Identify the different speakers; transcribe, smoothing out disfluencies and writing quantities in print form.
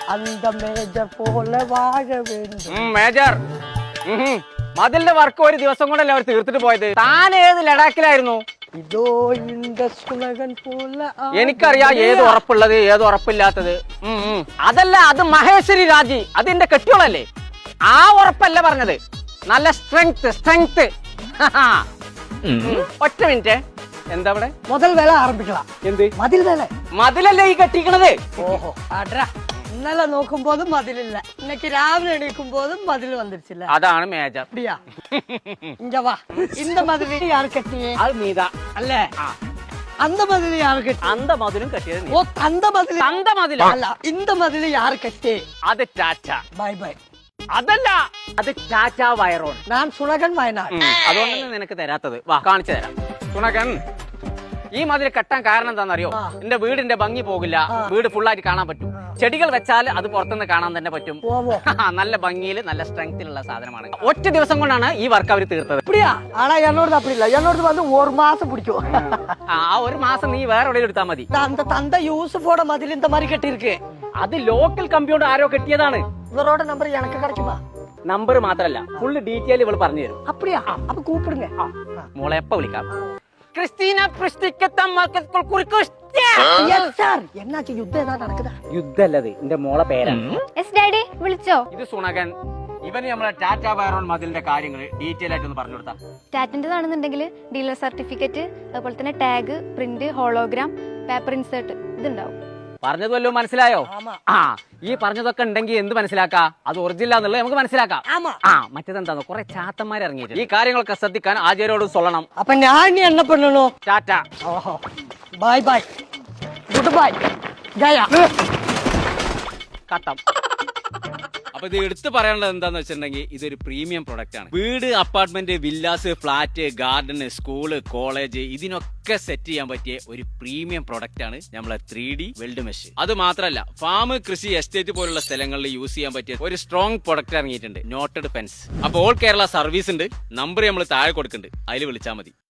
Speaker 1: அந்த மேஜர் போல வாழ வேண்டும்.
Speaker 2: മേജർ മതിലിന്റെ വർക്ക് ഒരു ദിവസം കൊണ്ടല്ലേ അവർ തീർത്തിട്ട് പോയത്. താൻ ഏത് ലഡാക്കിലായിരുന്നു?
Speaker 1: இதோ இந்த சுனகன் போல
Speaker 2: എനിക്കറിയാം ഏത് ഉറപ്പുള്ളത് ഏത് ഉറപ്പില്ലാത്തത്. അതല്ല, അത് മഹേശ്വരി രാജി, അതിന്റെ കെട്ടിയോളല്ലേ. ആ ഉറപ്പല്ല പറഞ്ഞത്, നല്ല സ്ട്രെങ്ത് സ്ട്രെങ്ത്. ഒറ്റ മിനിറ്റ്, എന്താ ഇവിടെ?
Speaker 1: முதல் வேலை ஆரம்பிக்கலாம்.
Speaker 2: എന്ത്
Speaker 1: மதில் வேலை.
Speaker 2: മതിലല്ലേ ഈ കെട്ടിക്കണത്?
Speaker 1: ஓஹோ அட்ரா, ഇന്നലെ നോക്കുമ്പോഴും മതിലില്ല, இன்னைக்கு രാവിലെ എണീക്കുമ്പോഴും മതിൽ വന്നിരിച്ചില്ല.
Speaker 2: അതാണ് മേജർ.
Speaker 1: அப்படியா? இங்க வா. இந்த மதில் யாரு கட்டியே?
Speaker 2: അത് നീതാ
Speaker 1: அல்ல, அந்த மதில் யாரு கட்டி?
Speaker 2: അന്ത മതിലും കെട്ടിയത് നീ.
Speaker 1: ஓ, அந்த மதில்
Speaker 2: അന്ത മതില
Speaker 1: அல்ல, இந்த மதில் யாரு கட்டி?
Speaker 2: അത് ടാറ്റ.
Speaker 1: Bye bye.
Speaker 2: അതല്ല, അത് ടാറ്റ വയറോൺ.
Speaker 1: ഞാൻ സുണകൻ വയനാട്.
Speaker 2: അതുകൊണ്ടാണ് നിനക്ക് തരാത്തത്. വാ കാണിച്ചു തരാം. സുണകൻ, ഈ മതിൽ കെട്ടാൻ കാരണം എന്താണെന്നറിയോ? എന്റെ വീടിന്റെ ഭംഗി പോകില്ല, വീട് ഫുള്ളായിട്ട് കാണാൻ പറ്റും. ചെടികൾ വെച്ചാൽ അത് പുറത്തുനിന്ന് കാണാൻ തന്നെ പറ്റും. നല്ല ഭംഗിയിൽ നല്ല സ്ട്രെങ്തിലുള്ള സാധനമാണ്. ഒറ്റ ദിവസം കൊണ്ടാണ് ഈ വർക്ക് അവർ തീർത്തത്.
Speaker 1: அப்படியா? ஆனா என்னோடது அப்படி இல்ல, என்னோடது வந்து ஒரு மாசம் பிடிக்கும்.
Speaker 2: ആ ഒരു മാസം നീ വേറെ എവിടെയും എടുത്താൽ മതി.
Speaker 1: அந்த தந்தை யூசுஃபோட மதில் இந்த மாதிரி கட்டி இருக்கு.
Speaker 2: അത് ലോക്കൽ കമ്പ്യൂട്ടർ ആരോ കെട്ടിയതാണ്.
Speaker 1: இவரோட நம்பர் எனக்கு கிடைக்குமா?
Speaker 2: നമ്പർ മാത്രല്ല, ഫുള്ള് ഡീറ്റെയിൽ ഇവൾ പറഞ്ഞു തരും.
Speaker 1: அப்படியா? அப்ப கூப்பிடுங்க.
Speaker 2: മോളെ എപ്പ വിളിക്കാം. ക്രിസ്റ്റീന
Speaker 1: என்னாச்சு, யுத்தம் ஏதாவது நடக்குதா?
Speaker 2: യുദ്ധല്ലത്, എന്റെ മോളെ പേരാണ്.
Speaker 3: യെസ് ഡാഡി, വിളിച്ചോ?
Speaker 2: ഇത് സുണകൻ. ഇവന് നമ്മളെ ടാറ്റ വയറോൺ മതിലിന്റെ കാര്യങ്ങൾ ഡീറ്റെയിൽ ആയിട്ട് ഒന്ന് പറഞ്ഞു കൊടുത്താ.
Speaker 3: ടാറ്റിൻ്റെതാണെന്നുണ്ടെങ്കിൽ ഡീലർ സർട്ടിഫിക്കറ്റ്, അതുപോലെ തന്നെ tag, print, hologram, paper insert ഇതുണ്ടാവും.
Speaker 2: പറഞ്ഞത് വല്ലതും മനസ്സിലായോ?
Speaker 1: ஆமா
Speaker 2: ഈ പറഞ്ഞതൊക്കെ ഉണ്ടെങ്കിൽ എന്ത് മനസ്സിലാക്കാം? അത് ഒറിജിനൽ എന്നുള്ളത് നമുക്ക് മനസ്സിലാക്കാം.
Speaker 1: ஆமா.
Speaker 2: മറ്റേതെന്താന്ന്, കുറെ ചാത്തന്മാർ ഇറങ്ങിയിട്ട് ഈ കാര്യങ്ങളൊക്കെ ശ്രദ്ധിക്കാൻ ആചാര്യോട് சொல்லണം.
Speaker 1: அப்ப நான் என்ன பண்ணணும்?
Speaker 2: ടാറ്റ.
Speaker 1: ஓஹோ, பாய் பாய், குட் பாய், ஜயா.
Speaker 2: കട്ടം. അപ്പൊ ഇത് എടുത്തു പറയാനുള്ളത് എന്താന്ന് വെച്ചിട്ടുണ്ടെങ്കിൽ, ഇതൊരു പ്രീമിയം പ്രൊഡക്റ്റ് ആണ്. വീട്, apartment, villas, flat, garden, school, college, ഇതിനൊക്കെ സെറ്റ് ചെയ്യാൻ പറ്റിയ ഒരു പ്രീമിയം പ്രൊഡക്റ്റ് ആണ് നമ്മളെ 3D വെൽഡ് മെഷ്. അത് മാത്രമല്ല, ഫാം, കൃഷി, എസ്റ്റേറ്റ് പോലുള്ള സ്ഥലങ്ങളിൽ യൂസ് ചെയ്യാൻ പറ്റിയ ഒരു സ്ട്രോങ് പ്രൊഡക്റ്റ് ഇറങ്ങിയിട്ടുണ്ട്, നോട്ടഡ് ഫെൻസ്. അപ്പൊ ഓൾ കേരള സർവീസ് ഉണ്ട്. നമ്പർ നമ്മൾ താഴെ കൊടുക്കുന്നുണ്ട്, അതിൽ വിളിച്ചാൽ മതി.